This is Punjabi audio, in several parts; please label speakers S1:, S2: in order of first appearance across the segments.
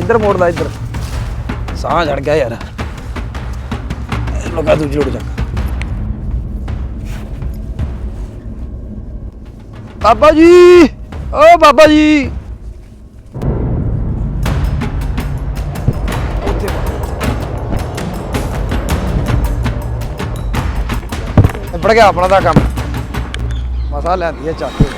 S1: ਇੱਧਰ ਮੋੜਦਾ ਇੱਧਰ ਸਾਹ ਚੜ ਗਿਆ ਯਾਰ ਲਗਾ ਦੂਜੀ ਰੋਡ ਚੱਕ ਬਾਬਾ ਜੀ ਓ ਬਾਬਾ ਜੀ ਨਿਬੜ ਗਿਆ ਆਪਣਾ ਦਾ ਕੰਮ ਮਸਾ ਲੈਂਦੀ ਹੈ ਚੱਕ ਕੇ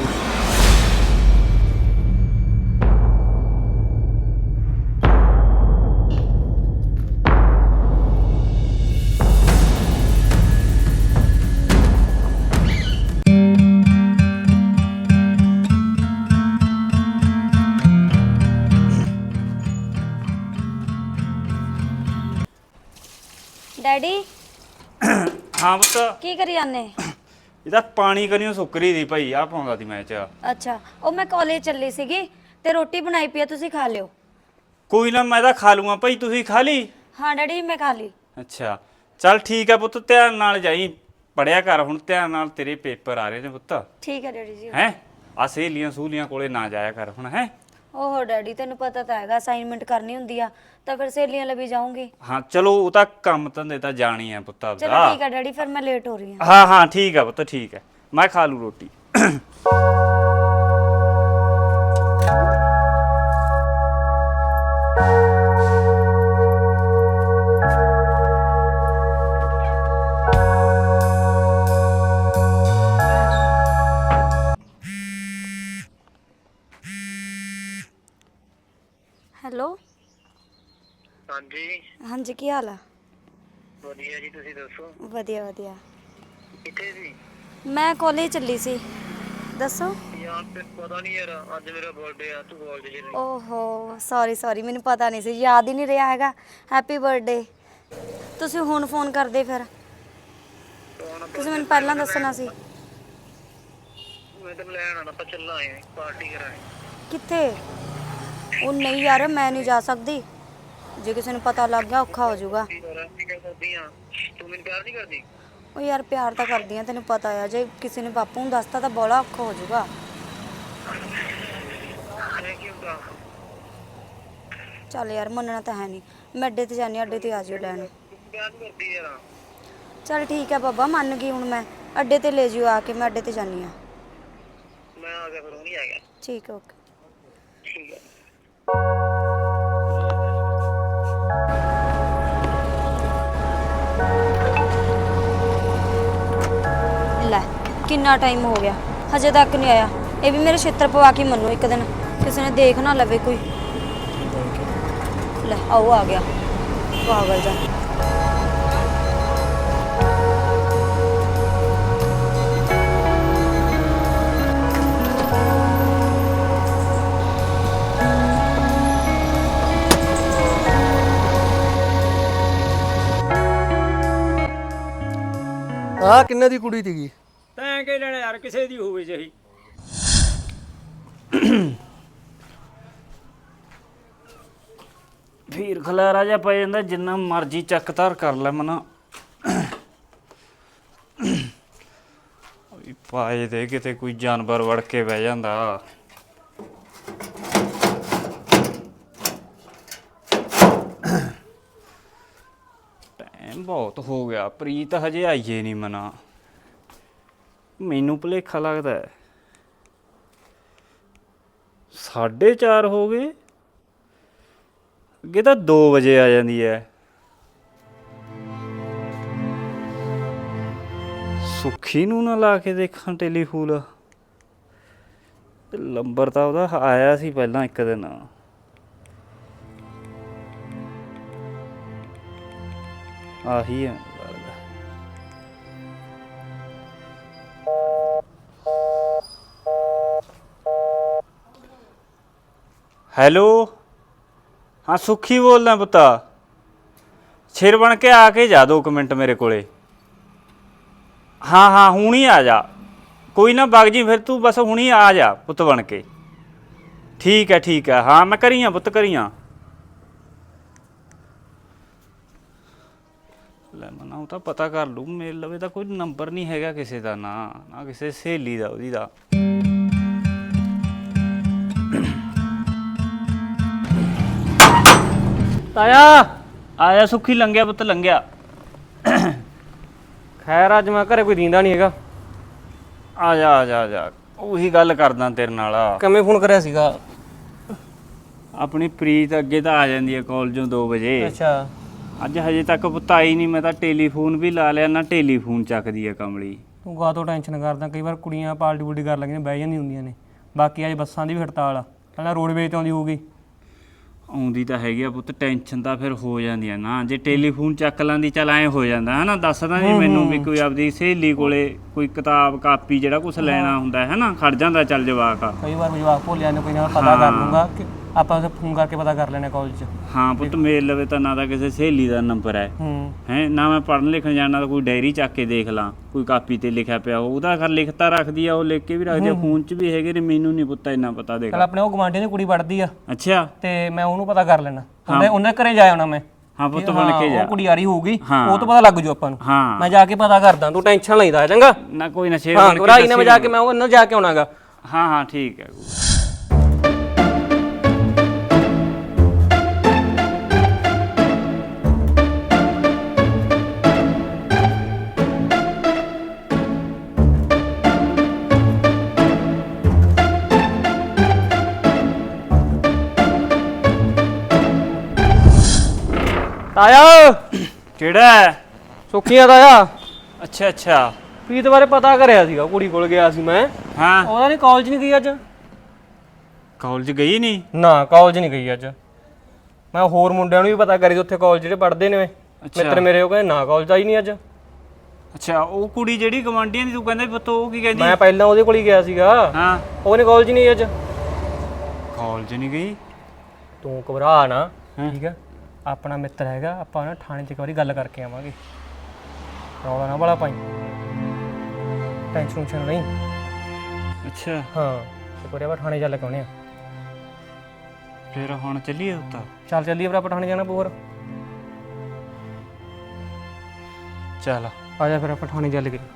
S2: ਡੈਡੀ
S3: ਹਾਂ ਪੁੱਤ
S2: ਕੀ ਕਰੀ ਜਾਂਦੇ?
S3: ਇਹਦਾ ਪਾਣੀ ਕਰਿਓ ਸੁੱਕਰੀ ਦੀ ਭਾਈ ਆ ਪਾਉਂਦਾ ਸੀ ਮੈਂ ਚ
S2: ਅੱਛਾ ਉਹ ਮੈਂ ਕਾਲਜ ਚੱਲੀ ਸੀਗੀ ਤੇ ਰੋਟੀ ਬਣਾਈ ਪਈ ਆ, ਤੁਸੀਂ ਖਾ ਲਿਓ।
S3: ਕੋਈ ਨਾ ਮੈਂ ਤਾਂ ਖਾ ਲੂੰਗਾ ਭਾਈ, ਤੁਸੀਂ ਖਾ ਲਈ?
S2: ਹਾਂ ਡੈਡੀ ਮੈਂ ਖਾ ਲਈ।
S3: ਅੱਛਾ ਚੱਲ ਠੀਕ ਹੈ ਪੁੱਤ, ਧਿਆਨ ਨਾਲ ਜਾਈ, ਪੜਿਆ ਕਰ ਹੁਣ ਧਿਆਨ ਨਾਲ, ਤੇਰੇ ਪੇਪਰ ਆ ਰਹੇ ਨੇ ਪੁੱਤ।
S2: ਠੀਕ ਹੈ ਡੈਡੀ ਜੀ।
S3: ਹੈ ਆ ਸਹੇਲੀਆਂ ਸਹੂਲੀਆਂ ਕੋਲੇ ਨਾ ਜਾਇਆ ਕਰ ਹੁਣ। ਹੈ
S2: ਓਹੋ ਡੈਡੀ ਤੈਨੂੰ ਪਤਾ ਤਾਂ ਹੈਗਾ ਅਸਾਈਨਮੈਂਟ ਕਰਨੀ ਹੁੰਦੀ ਆ ਤਾਂ ਫਿਰ ਸਹੇਲੀਆਂ ਲਈ ਵੀ ਜਾਊਂਗੀ।
S3: ਹਾਂ ਚਲੋ ਉਹ ਤਾਂ ਕੰਮ ਧੰਦੇ ਤਾਂ ਜਾਣੀ ਹੈ ਪੁੱਤ ਆਪਦਾ।
S2: ਚਲੋ ਠੀਕ ਹੈ ਡੈਡੀ ਫਿਰ ਮੈਂ ਲੇਟ ਹੋ ਰਹੀ ਹਾਂ।
S3: ਹਾਂ ਹਾਂ ਠੀਕ ਹੈ ਪੁੱਤ ਠੀਕ ਹੈ, ਮੈਂ ਖਾ ਲੂ ਰੋਟੀ।
S2: ਹੈਲੋ
S4: ਹਾਂਜੀ
S2: ਹਾਂਜੀ ਕੀ ਹਾਲ ਆ?
S4: ਵਧੀਆ ਜੀ, ਤੁਸੀਂ ਦੱਸੋ?
S2: ਵਧੀਆ ਵਧੀਆ।
S4: ਕਿੱਥੇ ਸੀ?
S2: ਮੈਂ ਕਾਲਜ ਚੱਲੀ ਸੀ। ਦੱਸੋ।
S4: ਯਾਰ ਤੇ ਪਤਾ ਨਹੀਂ ਯਾਰ, ਅੱਜ ਮੇਰਾ ਬਰਥਡੇ ਆ, ਤੂੰ ਕਾਲਜ ਚ ਨਹੀਂ?
S2: ਓਹੋ ਸੌਰੀ ਮੈਨੂੰ ਪਤਾ ਨਹੀਂ ਸੀ, ਯਾਦ ਹੀ ਨਹੀਂ ਰਿਹਾ ਹੈਗਾ। Happy birthday. ਤੁਸੀਂ ਹੁਣ ਫੋਨ ਕਰਦੇ ਫਿਰ, ਤੁਸੀਂ ਮੈਨੂੰ ਪਹਿਲਾਂ ਦੱਸਣਾ ਸੀ।
S4: ਮੈਂ ਤਾਂ ਲੈਣ ਆਣਾ, ਆਪਾਂ ਚੱਲਾਂਗੇ ਪਾਰਟੀ ਕਰਾਂਗੇ।
S2: ਕਿੱਥੇ? ਉਹ ਨਹੀਂ ਯਾਰ ਮੈਂ ਨਹੀਂ ਜਾ ਸਕਦੀ, ਜੇ ਕਿਸੇ ਨੂੰ ਪਤਾ ਲੱਗ ਗਿਆ ਔਖਾ ਹੋ ਜਾਊਗਾ।
S4: ਤੂੰ ਮੈਨੂੰ ਪਿਆਰ ਨਹੀਂ ਕਰਦੀ?
S2: ਉਹ ਯਾਰ ਪਿਆਰ ਤਾਂ ਕਰਦੀ ਆ, ਤੈਨੂੰ ਪਤਾ ਆ, ਜੇ ਕਿਸੇ ਨੇ ਬਾਪੂ ਨੂੰ ਦੱਸਤਾ ਤਾਂ ਬੜਾ ਔਖਾ ਹੋ ਜਾਊਗਾ। ਚੱਲ ਯਾਰ ਮੰਨਣਾ ਤਾਂ ਹੈ ਨਹੀਂ, ਮੈਂ ਅੱਡੇ ਤੇ ਜਾਣੀ, ਅੱਡੇ ਤੇ ਆ ਜਿਓ ਲੈਣ। ਚੱਲ ਠੀਕ ਹੈ ਬਾਬਾ ਮੰਨ ਗਈ, ਹੁਣ ਮੈਂ ਅੱਡੇ ਤੇ ਲੈ ਜਿਓ ਆ ਕੇ, ਮੈਂ ਅੱਡੇ ਤੇ ਜਾਣੀ ਆ।
S4: ਮੈਂ ਆ ਗਿਆ ਫਿਰ, ਉਹ ਨਹੀਂ ਆ ਗਿਆ।
S2: ਠੀਕ ਹੈ ਓਕੇ।
S4: ਠੀਕ ਹੈ।
S2: ਲੈ ਕਿੰਨਾ ਟਾਈਮ ਹੋ ਗਿਆ ਹਜੇ ਤੱਕ ਨਹੀਂ ਆਇਆ, ਇਹ ਵੀ ਮੇਰੇ ਛਿੱਤਰ ਪਵਾ ਕੇ ਮੰਨੂ ਇੱਕ ਦਿਨ, ਕਿਸੇ ਨੇ ਦੇਖ ਨਾ ਲਵੇ ਕੋਈ। ਲੈ ਆਓ ਆ ਗਿਆ ਪਾਗਲ ਜਾ।
S1: ਆਹ ਕਿੰਨੇ ਦੀ ਕੁੜੀ ਸੀਗੀ?
S5: ਤੈਂ ਕੀ ਲੈਣਾ ਯਾਰ, ਕਿਸੇ ਦੀ ਹੋਵੇ ਜਹੀ।
S3: ਫੀਰ ਖਲਾਰਾ ਜਿਹਾ ਪੈ ਜਾਂਦਾ, ਜਿੰਨਾ ਮਰਜ਼ੀ ਚੱਕ ਧਰ ਕਰ ਲੈ ਮਨਾ। ਪਾਏ ਦੇ ਕਿਤੇ ਕੋਈ ਜਾਨਵਰ ਵੜ ਕੇ ਬਹਿ ਜਾਂਦਾ। ਟਾਈਮ ਬਹੁਤ ਹੋ ਗਿਆ, ਪ੍ਰੀਤ ਹਜੇ ਆਈਏ ਨਹੀਂ ਮਨਾ, ਮੈਨੂੰ ਭੁਲੇਖਾ ਲੱਗਦਾ ਹੈ। 4:30 ਹੋ ਗਏ, ਅੱਗੇ ਤਾਂ 2 ਵਜੇ ਆ ਜਾਂਦੀ ਹੈ। ਸੁੱਖੀ ਨੂੰ ਨਾ ਲਾ ਕੇ ਦੇਖਾਂ ਟੈਲੀਫੋਨ, ਨੰਬਰ ਤਾਂ ਉਹਦਾ ਆਇਆ ਸੀ ਪਹਿਲਾਂ ਇੱਕ ਦਿਨ। ਆਹੀ ਹੈ ਲੱਗਦਾ। ਹੈਲੋ ਹਾਂ ਸੁੱਖੀ ਬੋਲਦਾ ਪੁੱਤਾ, ਸਿਰ ਬਣ ਕੇ ਆ ਕੇ ਜਾ 2 ਮਿੰਟ ਮੇਰੇ ਕੋਲੇ। ਹਾਂ ਹਾਂ ਹੁਣੀ ਆ ਜਾ, ਕੋਈ ਨਾ ਵਗ ਜੀ ਫਿਰ ਤੂੰ, ਬਸ ਹੁਣੀ ਆ ਜਾ ਪੁੱਤ ਬਣ ਕੇ। ਠੀਕ ਹੈ ਹਾਂ ਮੈਂ ਕਰੀਆਂ ਪੁੱਤ ਕਰੀਆਂ। ਲੈ ਮਨਾ ਉਹ ਤਾਂ ਪਤਾ ਕਰ ਲੂ, ਮੇਰੇ ਲਵੇ ਤਾਂ ਕੋਈ ਨੰਬਰ ਨਹੀਂ ਹੈਗਾ ਕਿਸੇ ਦਾ, ਨਾ ਕਿਸੇ ਸਹੇਲੀ ਦਾ ਉਹਦੀ ਦਾ।
S6: ਤਾਇਆ
S3: ਆਇਆ ਸੁੱਖੀ ਲੰਘਿਆ ਪੁੱਤ ਲੰਘਿਆ।
S6: ਖੈਰ ਅੱਜ ਮੈਂ ਘਰੇ ਕੋਈ ਦੀਂਦਾ ਨਹੀਂ ਹੈਗਾ।
S3: ਆ ਜਾ ਆ ਜਾ ਆ ਜਾ, ਉਹੀ ਗੱਲ ਕਰਦਾ ਤੇਰੇ ਨਾਲ।
S6: ਕਿਵੇਂ ਫੋਨ ਕਰਿਆ ਸੀਗਾ?
S3: ਆਪਣੀ ਪ੍ਰੀਤ ਅੱਗੇ ਤਾਂ ਆ ਜਾਂਦੀ ਹੈ ਕਾਲਜੋਂ 2 ਵਜੇ।
S6: ਅੱਛਾ
S3: ਅੱਜ ਹਜੇ ਤੱਕ ਪੁੱਤ ਆਈ ਨਹੀਂ। ਮੈਂ ਤਾਂ ਟੈਲੀਫੋਨ ਵੀ ਲਾ ਲਿਆ, ਨਾ ਟੈਲੀਫੋਨ ਚੱਕਦੀ ਹੈ ਕਮਲੀ।
S6: ਤੂੰ ਗਾ ਤੋਂ ਟੈਨਸ਼ਨ ਕਰਦਾ, ਕਈ ਵਾਰ ਕੁੜੀਆਂ ਪਾਲਟੀ ਪੁਲਟੀ ਕਰ ਲੱਗੀਆਂ ਬਹਿ ਜਾਂਦੀਆਂ ਹੁੰਦੀਆਂ ਨੇ। ਬਾਕੀ ਅੱਜ ਬੱਸਾਂ ਦੀ ਵੀ ਹੜਤਾਲ ਆ, ਪਹਿਲਾਂ ਰੋਡਵੇਜ਼ ਤੋਂ ਆਉਂਦੀ ਹੋਊਗੀ।
S3: ਆਉਂਦੀ ਤਾਂ ਹੈਗੀ ਆ ਪੁੱਤ, ਟੈਨਸ਼ਨ ਤਾਂ ਫਿਰ ਹੋ ਜਾਂਦੀ ਆ ਨਾ। ਜੇ ਟੈਲੀਫੋਨ ਚੱਕ ਲਾਂਦੀ ਚੱਲ ਐਂ ਹੋ ਜਾਂਦਾ ਹਨਾ। ਦੱਸਦਾ ਜੀ ਮੈਨੂੰ ਵੀ ਕੋਈ ਆਪਦੀ ਸਹੇਲੀ ਕੋਲੇ ਕੋਈ ਕਿਤਾਬ ਕਾਪੀ ਜਿਹੜਾ ਕੁਝ ਲੈਣਾ ਹੁੰਦਾ ਹੈ ਨਾ, ਖੜ ਜਾਂਦਾ ਚੱਲ ਜਵਾਕ ਆ।
S6: ਕਈ ਵਾਰ ਜਵਾਕ ਭੁੱਲਿਆ ਨੇ, ਕੋਈ ਨਾ ਪਤਾ ਕਰ ਲੂੰਗਾ ਕਿ ਆਪਾਂ ਉਸੇ ਫੋਨ ਕਰਕੇ ਪਤਾ ਕਰ ਲੈਣੇ ਕਾਲਜ 'ਚ।
S3: ਹਾਂ ਪੁੱਤ ਮੇਰੇ ਲਵੇ ਤਾਂ ਨਾ ਤਾਂ ਕਿਸੇ ਸਹੇਲੀ ਦਾ ਨੰਬਰ ਹੈ ਹੈ ਨਾ। ਮੈਂ ਪੜ੍ਹਨ ਲਿਖਣ ਜਾਣਾ ਤਾਂ ਕੋਈ ਡਾਇਰੀ ਚੱਕ ਕੇ ਦੇਖ ਲਾਂ, ਕੋਈ ਕਾਪੀ ਤੇ ਲਿਖਿਆ ਪਿਆ ਉਹਦਾ ਘਰ ਲਿਖਤਾ ਰੱਖਦੀ ਆ, ਉਹ ਲਿਖ ਕੇ ਵੀ ਰੱਖਦੀ ਆ। ਫੋਨ 'ਚ ਵੀ ਹੈਗੇ ਨੇ, ਮੈਨੂੰ ਨਹੀਂ ਪੁੱਤ ਇੰਨਾ ਪਤਾ। ਦੇਖ
S6: ਚੱਲ ਆਪਣੇ ਉਹ ਗਵਾਂਢੀ ਦੀ ਕੁੜੀ ਪੜ੍ਹਦੀ ਆ।
S3: ਅੱਛਾ
S6: ਤੇ ਮੈਂ ਉਹਨੂੰ ਪਤਾ ਕਰ ਲੈਣਾ, ਉਹਨੇ ਘਰੇ ਜਾ ਆਉਣਾ ਮੈਂ।
S3: ਹਾਂ ਪੁੱਤ ਬਣ ਕੇ ਜਾ,
S6: ਉਹ ਕੁੜੀ ਆ ਰਹੀ ਹੋਊਗੀ,
S3: ਹਾਂ।
S6: ਉਹ ਤੋਂ ਪਤਾ ਲੱਗ ਜੂ ਆਪਾਂ ਨੂੰ।
S3: ਹਾਂ
S6: ਮੈਂ ਜਾ ਕੇ ਪਤਾ ਕਰਦਾ, ਤੂੰ ਟੈਨਸ਼ਨ ਲੈਂਦਾ ਚੰਗਾ
S3: ਨਾ। ਕੋਈ ਨਾ ਸ਼ੇਰ
S6: ਹਾਂ,
S3: ਬਣ ਕੇ
S6: ਰਾਈ ਨਾ ਮੈਂ ਜਾ ਕੇ ਮੈਂ ਉਹਨਾਂ ਜਾ ਕੇ ਆਉਣਾਗਾ।
S3: ਹਾਂ ਹਾਂ ਠੀਕ ਹੈ।
S6: ਤਾਇਆ
S3: ਕਿਹੜਾ ਹੈ?
S6: ਸੁੱਖੀਆਂ ਤਾਇਆ।
S3: ਅੱਛਾ ਅੱਛਾ।
S6: ਪ੍ਰੀਤ ਬਾਰੇ ਪਤਾ ਕਰਿਆ ਸੀਗਾ, ਕੁੜੀ ਕੋਲ ਗਿਆ ਸੀ ਮੈਂ।
S3: ਹਾਂ
S6: ਉਹਦਾ ਨਹੀਂ ਕਾਲਜ ਨਹੀਂ ਗਈ ਅੱਜ।
S3: ਕਾਲਜ ਗਈ ਨਹੀਂ?
S6: ਨਾ ਕਾਲਜ ਨਹੀਂ ਗਈ ਅੱਜ। ਮੈਂ ਹੋਰ ਮੁੰਡਿਆਂ ਨੂੰ ਵੀ ਪਤਾ ਕਰੀ ਉੱਥੇ ਕਾਲਜ ਜਿਹੜੇ ਪੜ੍ਹਦੇ ਨੇ ਮਿੱਤਰ ਮੇਰੇ, ਉਹ ਕਹਿੰਦੇ ਨਾ ਕਾਲਜ ਆਈ ਨਹੀਂ ਅੱਜ।
S3: ਅੱਛਾ ਉਹ ਕੁੜੀ ਜਿਹੜੀ ਗਵਾਂਢੀਆਂ ਦੀ ਤੂੰ ਕਹਿੰਦਾ ਪੁੱਤ, ਉਹ ਕੀ ਕਹਿੰਦੀ?
S6: ਮੈਂ ਪਹਿਲਾਂ ਉਹਦੇ ਕੋਲ ਹੀ ਗਿਆ ਸੀਗਾ।
S3: ਹਾਂ
S6: ਉਹਨੇ ਕਾਲਜ ਨਹੀਂ ਅੱਜ।
S3: ਕਾਲਜ ਨਹੀਂ ਗਈ?
S6: ਤੂੰ ਘਬਰਾ ਨਾ, ਠੀਕ ਹੈ। ਆਪਣਾ ਮਿੱਤਰ ਹੈਗਾ, ਆਪਾਂ ਨਾ ਥਾਣੇ 'ਚ ਇੱਕ ਵਾਰੀ ਗੱਲ ਕਰਕੇ ਆਵਾਂਗੇ। ਰੌਲਾ ਨਾ ਬੜਾ ਪਾਈ, ਟੈਨਸ਼ਨ ਨਹੀਂ।
S3: ਅੱਛਾ
S6: ਹਾਂ ਇੱਕ ਵਾਰੀ ਆਪਾਂ ਥਾਣੇ ਚੱਲ ਕੇ ਆਉਣੇ ਆ।
S3: ਫਿਰ ਹੁਣ ਚੱਲੀਏ ਉੱਤਾ?
S6: ਚੱਲ ਚੱਲੀਏ ਫਿਰ, ਆਪਾਂ ਥਾਣੇ ਜਾਣਾ ਪਊ।
S3: ਚੱਲ
S6: ਆ ਜਾ ਫਿਰ ਆਪਾਂ ਥਾਣੇ ਚੱਲ ਗਏ।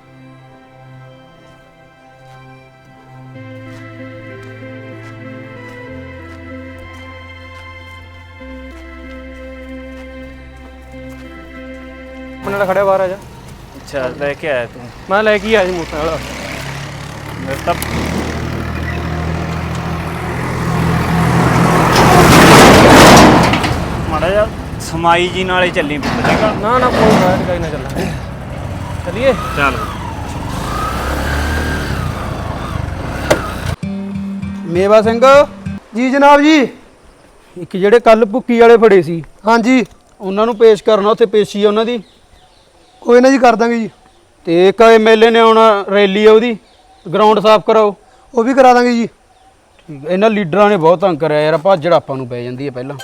S6: ਨਾਲ ਖੜਿਆ ਬਾਹਰ ਆ ਜਾ।
S3: ਅੱਛਾ ਲੈ ਕੇ ਆਇਆ ਤੂੰ?
S6: ਮੈਂ ਲੈ ਕੇ ਆਇਆ ਸੀ ਮੋਟਰਸਾਈਕਲ।
S3: ਮੇਰੇ ਤਾਂ ਮਾੜਾ ਜਿਹਾ ਸਮਾਈ ਜੀ ਨਾਲੇ ਚੱਲੀ ਪੁੱਤ, ਚੰਗਾ?
S6: ਨਾ ਨਾ ਕੋਈ ਬਾਹਰ ਗਾਈ ਨਾ ਚੱਲਾਂਗੇ, ਚੱਲੀਏ।
S3: ਚੱਲ।
S1: ਮੇਵਾ ਸਿੰਘ
S7: ਜੀ ਜਨਾਬ ਜੀ।
S1: ਇੱਕ ਜਿਹੜੇ ਕੱਲ ਭੁੱਕੀ ਵਾਲੇ ਫੜੇ ਸੀ,
S7: ਹਾਂਜੀ
S1: ਉਹਨਾਂ ਨੂੰ ਪੇਸ਼ ਕਰਨਾ, ਉੱਥੇ ਪੇਸ਼ੀ ਆ ਉਹਨਾਂ ਦੀ।
S7: ਕੋਈ ਨਾ ਜੀ, ਕਰ ਦਾਂਗੇ ਜੀ।
S1: ਤੇ ਇੱਕ ਐਮਐਲਏ ਨੇ ਆਉਣਾ, ਰੈਲੀ ਆ ਉਹਦੀ, ਗਰਾਊਂਡ ਸਾਫ਼ ਕਰਾਓ।
S7: ਉਹ ਵੀ ਕਰਾ ਦਾਂਗੇ ਜੀ।
S1: ਠੀਕ। ਇਹਨਾਂ ਲੀਡਰਾਂ ਨੇ ਬਹੁਤ ਤੰਗ ਕਰਿਆ ਯਾਰ, ਭਾਜੜ ਆਪਾਂ ਨੂੰ ਪੈ ਜਾਂਦੀ ਹੈ ਪਹਿਲਾਂ।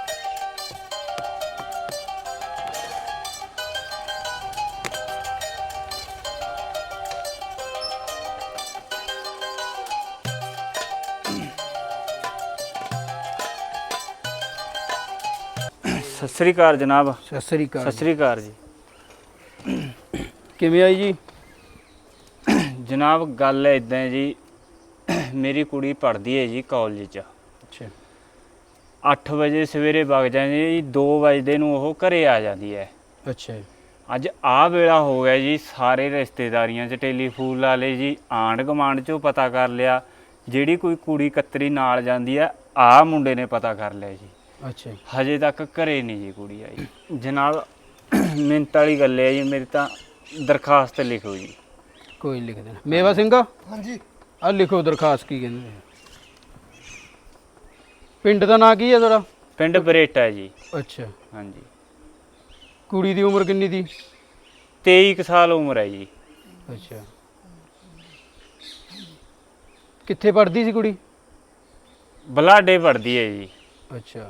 S3: ਸਤਿ ਸ੍ਰੀ ਅਕਾਲ ਜਨਾਬ।
S1: ਸਤਿ ਸ੍ਰੀ ਅਕਾਲ।
S3: ਸਤਿ ਸ੍ਰੀ ਅਕਾਲ ਜੀ।
S1: ਕਿਵੇਂ ਆਈ ਜੀ?
S3: ਜਨਾਬ ਗੱਲ ਇਦਾਂ ਹੈ ਜੀ, ਮੇਰੀ ਕੁੜੀ ਪੜ੍ਹਦੀ ਹੈ ਜੀ ਕਾਲਜ 'ਚ।
S1: ਅੱਛਾ।
S3: 8 ਵਜੇ ਸਵੇਰੇ ਵਗ ਜਾਂਦੀ ਹੈ ਜੀ, 2 ਵਜੇ ਨੂੰ ਉਹ ਘਰੇ ਆ ਜਾਂਦੀ ਹੈ।
S1: ਅੱਛਾ ਜੀ।
S3: ਅੱਜ ਆਹ ਵੇਲਾ ਹੋ ਗਿਆ ਜੀ, ਸਾਰੇ ਰਿਸ਼ਤੇਦਾਰੀਆਂ 'ਚ ਟੈਲੀਫੋਨ ਲਾ ਲਏ ਜੀ, ਆਂਢ ਗੁਆਂਢ 'ਚੋਂ ਪਤਾ ਕਰ ਲਿਆ। ਜਿਹੜੀ ਕੋਈ ਕੁੜੀ ਕਤਰੀ ਨਾਲ ਜਾਂਦੀ ਹੈ, ਆਹ ਮੁੰਡੇ ਨੇ ਪਤਾ ਕਰ ਲਿਆ ਜੀ।
S1: ਅੱਛਾ ਜੀ।
S3: ਹਜੇ ਤੱਕ ਘਰੇ ਨਹੀਂ ਜੀ ਕੁੜੀ ਆਈ। ਜਨਾਬ ਮਿੰਟ ਵਾਲੀ ਗੱਲ ਹੈ ਜੀ, ਮੇਰੀ ਤਾਂ ਦਰਖਾਸਤ ਲਿਖੋ ਜੀ।
S1: ਕੋਈ ਲਿਖ ਦੇਣਾ। ਮੇਵਾ ਸਿੰਘ
S7: ਹਾਂਜੀ
S1: ਆ ਲਿਖੋ ਦਰਖਾਸਤ। ਕੀ ਕਹਿੰਦੇ ਨੇ? ਪਿੰਡ ਦਾ ਨਾਂ ਕੀ ਹੈ ਤੁਹਾਡਾ?
S3: ਪਿੰਡ ਬਰੇਟਾ ਜੀ।
S1: ਅੱਛਾ।
S3: ਹਾਂਜੀ।
S1: ਕੁੜੀ ਦੀ ਉਮਰ ਕਿੰਨੀ ਦੀ?
S3: 23 ਕੁ ਸਾਲ ਉਮਰ ਹੈ ਜੀ।
S1: ਅੱਛਾ। ਕਿੱਥੇ ਪੜ੍ਹਦੀ ਸੀ ਕੁੜੀ?
S3: ਬਲਾਡੇ ਪੜ੍ਹਦੀ ਹੈ ਜੀ।
S1: ਅੱਛਾ।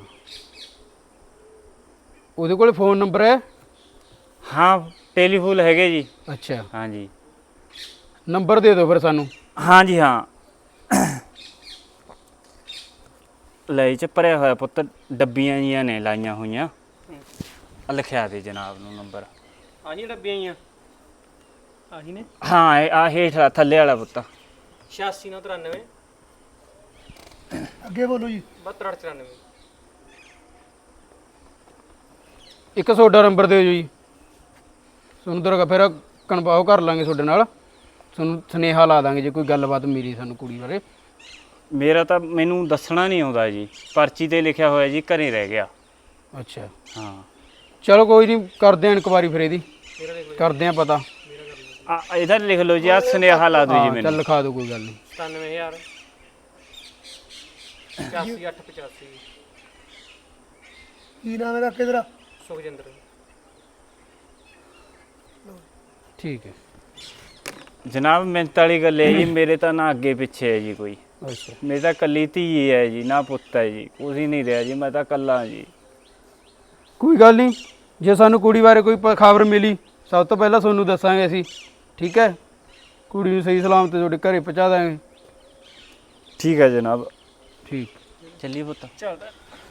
S1: ਉਹਦੇ ਕੋਲ ਫੋਨ ਨੰਬਰ ਹੈ?
S3: ਹਾਂ ਟੈਲੀਫੋਨ ਹੈਗੇ ਜੀ।
S1: ਅੱਛਾ।
S3: ਹਾਂਜੀ।
S1: ਨੰਬਰ ਦੇ ਦਿਓ ਫਿਰ ਸਾਨੂੰ।
S3: ਹਾਂਜੀ ਹਾਂ ਲੈ ਚ ਭਰਿਆ ਹੋਇਆ ਪੁੱਤ, ਡੱਬੀਆਂ ਜੀਆਂ ਨੇ ਲਾਈਆਂ ਹੋਈਆਂ। ਲਿਖਿਆ ਦੇ ਜਨਾਬ ਨੂੰ ਨੰਬਰ।
S6: ਹਾਂਜੀ ਡੱਬੀਆਂ ਹੀ ਆ। ਆਹੀ ਨੇ?
S3: ਹਾਂ ਇਹ ਆ ਹੇਠ ਥੱਲੇ ਵਾਲਾ ਪੁੱਤ।
S6: 8693
S7: ਅੱਗੇ ਬੋਲੋ ਜੀ।
S6: 7294।
S8: ਇੱਕ ਤੁਹਾਡਾ ਨੰਬਰ ਦਿਓ ਜੀ, ਤੁਹਾਨੂੰ ਦਰ ਫਿਰ ਕਨਫਰਮ ਕਰ ਲਾਂਗੇ ਤੁਹਾਡੇ ਨਾਲ, ਤੁਹਾਨੂੰ ਸੁਨੇਹਾ ਲਾ ਦਾਂਗੇ ਜੇ ਕੋਈ ਗੱਲਬਾਤ ਮਿਲੀ ਸਾਨੂੰ ਕੁੜੀ ਬਾਰੇ।
S3: ਮੇਰਾ ਤਾਂ ਮੈਨੂੰ ਦੱਸਣਾ ਨਹੀਂ ਆਉਂਦਾ ਜੀ, ਪਰਚੀ ਤੇ ਲਿਖਿਆ ਹੋਇਆ ਜੀ ਘਰੇ ਰਹਿ ਗਿਆ।
S8: ਅੱਛਾ
S3: ਹਾਂ
S8: ਚਲੋ ਕੋਈ ਨਹੀਂ, ਕਰਦੇ ਆਂ ਇਨਕੁਆਰੀ ਫਿਰ ਇਹਦੀ, ਕਰਦੇ ਆਂ ਪਤਾ।
S3: ਇਹਦਾ ਲਿਖ ਲਓ ਜੀ, ਆ ਸੁਨੇਹਾ ਲਾ ਦਿਓ ਜੀ
S8: ਚੱਲ
S3: ਮੈਨੂੰ।
S8: ਲਿਖਾ ਦਿਓ, ਕੋਈ ਗੱਲ ਨਹੀਂ।
S6: 97000 85885
S7: ਕੀ ਨਾਮ ਹੈ ਕਾਕੇ ਤੇਰਾ?
S6: ਸੁਖਜਿੰਦਰ।
S8: ਠੀਕ ਹੈ।
S3: ਜਨਾਬ ਮਿਹਨਤ ਵਾਲੀ ਗੱਲ ਹੈ ਜੀ, ਮੇਰੇ ਤਾਂ ਨਾ ਅੱਗੇ ਪਿੱਛੇ ਹੈ ਜੀ ਕੋਈ।
S8: ਅੱਛਾ
S3: ਮੇਰੀ ਤਾਂ ਕੱਲੀ ਧੀ ਹੈ ਜੀ, ਨਾ ਪੁੱਤ ਹੈ ਜੀ, ਕੁਝ ਹੀ ਨਹੀਂ ਰਿਹਾ ਜੀ, ਮੈਂ ਤਾਂ ਕੱਲਾ ਜੀ।
S8: ਕੋਈ ਗੱਲ ਨਹੀਂ, ਜੇ ਸਾਨੂੰ ਕੁੜੀ ਬਾਰੇ ਕੋਈ ਖਬਰ ਮਿਲੀ ਸਭ ਤੋਂ ਪਹਿਲਾਂ ਤੁਹਾਨੂੰ ਦੱਸਾਂਗੇ ਅਸੀਂ, ਠੀਕ ਹੈ? ਕੁੜੀ ਨੂੰ ਸਹੀ ਸਲਾਮਤ ਤੁਹਾਡੇ ਘਰੇ ਪਹੁੰਚਾ ਦਾਂਗੇ।
S3: ਠੀਕ ਹੈ ਜਨਾਬ।
S8: ਠੀਕ।
S3: ਚੱਲੀਏ ਪੁੱਤ।
S6: ਚੱਲਦਾ।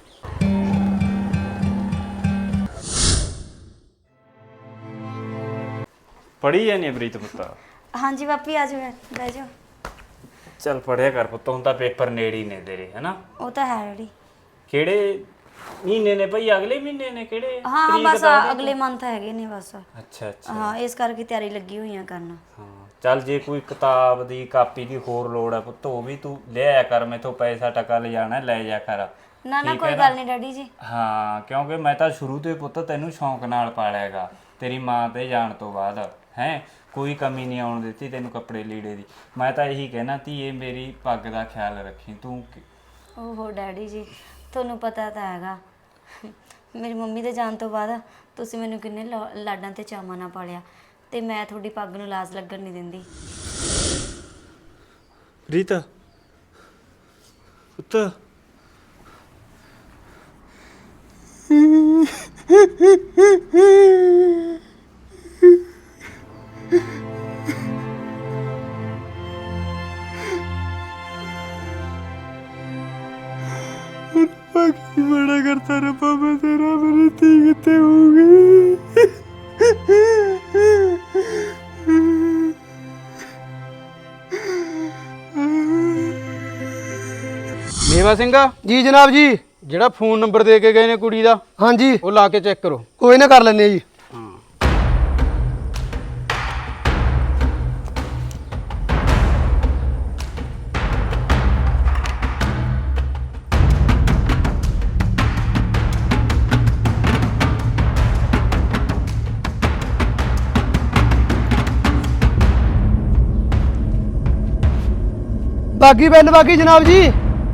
S3: ਪੜ੍ਹੀ ਜਾਨੀ ਹੈ ਪ੍ਰੀਤ ਪੁੱਤ?
S2: ਹਾਂਜੀ ਪਾਪੀ ਆ ਜਾਓ, ਬਹਿ ਜਾਓ।
S3: ਚੱਲ ਪੜ੍ਹਿਆ ਕਰ ਪੁੱਤ, ਹੁਣ ਤਾਂ ਪੇਪਰ ਨੇੜੇ ਹੀ ਨੇ ਤੇਰੇ, ਹੈਨਾ?
S2: ਉਹ ਤਾਂ ਹੈ ਡੈਡੀ।
S3: ਕਿਹੜੇ ਮਹੀਨੇ ਨੇ ਭਈ? ਅਗਲੇ ਮਹੀਨੇ ਨੇ? ਕਿਹੜੇ
S2: ਹਾਂ
S3: ਤਰੀਕ
S2: ਬਸ
S3: ਦਾ ਉਹਦੇ?
S2: ਅਗਲੇ ਮੰਥ ਹੈਗੇ ਨੇ ਬਸ।
S3: ਅੱਛਾ ਅੱਛਾ।
S2: ਹਾਂ ਇਸ ਕਰਕੇ ਤਿਆਰੀ ਲੱਗੀ ਹੋਈਆਂ ਕਰਨ।
S3: ਹਾਂ ਚੱਲ, ਜੇ ਕੋਈ ਕਿਤਾਬ ਦੀ ਕਾਪੀ ਦੀ ਹੋਰ ਲੋੜ ਹੈ ਪੁੱਤ, ਉਹ ਵੀ ਤੂੰ ਲਿਆਇਆ ਕਰ, ਮੈਥੋਂ ਪੈਸਾ ਟਕਾ ਲੈ ਜਾਣਾ, ਲੈ ਜਾ ਕਰ।
S2: ਨਾ ਨਾ
S3: ਠੀਕ
S2: ਕੋਈ
S3: ਹੈ
S2: ਗੱਲ ਨਹੀਂ ਡੈਡੀ ਜੀ।
S3: ਹਾਂ ਕਿਉਂਕਿ ਮੈਂ ਤਾਂ ਸ਼ੁਰੂ ਤੋਂ ਹੀ ਪੁੱਤ ਤੈਨੂੰ ਸ਼ੌਂਕ ਨਾਲ ਪਾਲਿਆ ਹੈਗਾ, ਤੇਰੀ ਮਾਂ ਤੇ ਜਾਣ ਤੋਂ ਬਾਅਦ ਹੈ ਕੋਈ ਕਮੀ ਨਹੀਂ ਆਉਣ ਦਿੱਤੀ ਤੈਨੂੰ ਕੱਪੜੇ ਲੀੜੇ ਦੀ। ਮੈਂ ਤਾਂ ਇਹੀ ਕਹਿਣਾ ਧੀਏ, ਮੇਰੀ ਪੱਗ ਦਾ ਖਿਆਲ ਰੱਖੀ ਤੂੰ।
S2: ਓਹੋ ਡੈਡੀ ਜੀ, ਤੁਹਾਨੂੰ ਪਤਾ ਤਾਂ ਹੈਗਾ ਮੇਰੀ ਮੰਮੀ ਦੇ ਜਾਣ ਤੋਂ ਬਾਅਦ ਤੁਸੀਂ ਮੈਨੂੰ ਕਿੰਨੇ ਲਾਡਾਂ ਤੇ ਚਾਵਾਂ ਨਾਲ ਪਾਲਿਆ, ਤੇ ਮੈਂ ਤੁਹਾਡੀ ਪੱਗ ਨੂੰ ਲਾਜ਼ ਲੱਗਣ ਨਹੀਂ ਦਿੰਦੀ।
S3: ਰੀਤਾ ਪੁੱਤ
S8: ਬਾਕੀ ਬੜਾ ਕਰਤਾ ਰੱਬਾ ਮੈਂ ਤੇਰਾ, ਮੇਰੀ ਧੀ ਕਿੱਥੇ ਹੋਊਗੀ? ਮੇਵਾ ਸਿੰਘ
S7: ਜੀ ਜਨਾਬ ਜੀ।
S8: ਜਿਹੜਾ ਫੋਨ ਨੰਬਰ ਦੇ ਕੇ ਗਏ ਨੇ ਕੁੜੀ ਦਾ,
S7: ਹਾਂਜੀ
S8: ਉਹ ਲਾ ਕੇ ਚੈੱਕ ਕਰੋ।
S7: ਕੋਈ ਨਾ, ਕਰ ਲੈਂਦੇ ਆ ਜੀ। ਬਾਗੀ ਬੈਲ ਬਾਗੀ ਜਨਾਬ ਜੀ।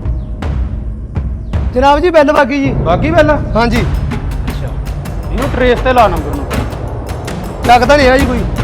S7: ਜਨਾਬ ਜੀ ਬੈਲ ਬਾਗੀ ਜੀ।
S8: ਬਾਕੀ ਪਹਿਲਾਂ
S7: ਹਾਂਜੀ
S8: ਅੱਛਾ, ਇਹਨੂੰ ਟਰੇਸ ਤੇ ਲਾ ਨੰਬਰ ਨੂੰ।
S7: ਲੱਗਦਾ ਨਹੀਂ ਹੈ ਜੀ ਕੋਈ।